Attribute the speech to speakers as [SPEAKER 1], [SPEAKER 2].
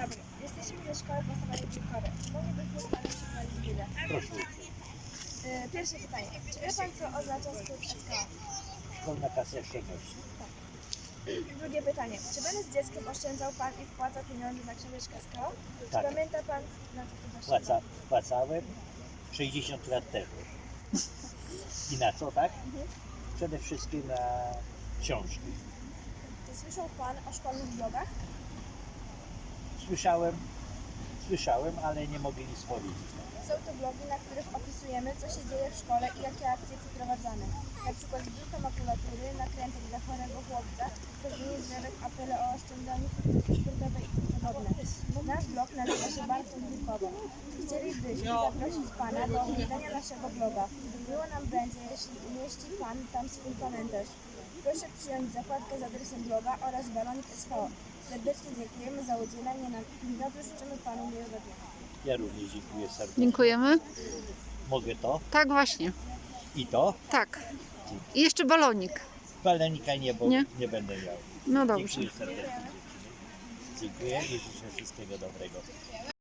[SPEAKER 1] dobry. Jesteśmy ze szkoły podstawowej Wilkowy. Moglibyśmy Panu przypomnieć chwilę.
[SPEAKER 2] Proszę.
[SPEAKER 1] Pierwsze pytanie. Czy wie Pan, co oznacza skrót SK?
[SPEAKER 2] Szkolna kasa oszczędności.
[SPEAKER 1] Drugie pytanie. Czy będąc dzieckiem oszczędzał Pan i wpłacał pieniądze na książeczkę SK? Czy
[SPEAKER 2] Tak.
[SPEAKER 1] pamięta Pan, na co to oszczędzał?
[SPEAKER 2] Płacałem 60 lat temu. I na co, tak? Przede wszystkim na książki.
[SPEAKER 1] Czy słyszał Pan o szkolnych blogach?
[SPEAKER 2] Słyszałem, ale nie mogę nic powiedzieć.
[SPEAKER 1] Są to blogi, na których opisujemy, co się dzieje w szkole i jakie akcje przeprowadzamy. Na przykład zbiórka makulatury, nakrętek dla chorego chłopca, zrobienie drzewek, apele o oszczędzaniu, sukcesy sportowe i tym podobne. Nasz blog nazywa się Barton Wilkowo. Chcielibyśmy zaprosić Pana do odwiedzenia naszego bloga. Miło nam będzie, jeśli umieści Pan tam swój komentarz. Proszę przyjąć zakładkę z adresem bloga oraz balonik SV. Serdecznie dziękujemy za udzielenie nam wywiadu. Życzymy Panu miłego dnia.
[SPEAKER 2] Ja również dziękuję serdecznie.
[SPEAKER 3] Dziękujemy.
[SPEAKER 2] Mogę to
[SPEAKER 3] Tak, właśnie.
[SPEAKER 2] i to.
[SPEAKER 3] Tak. I jeszcze balonik.
[SPEAKER 2] Balonika nie, bo
[SPEAKER 3] Nie?
[SPEAKER 2] nie będę miał.
[SPEAKER 3] No dobrze.
[SPEAKER 2] Dziękuję serdecznie. Dziękuję i życzę wszystkiego dobrego.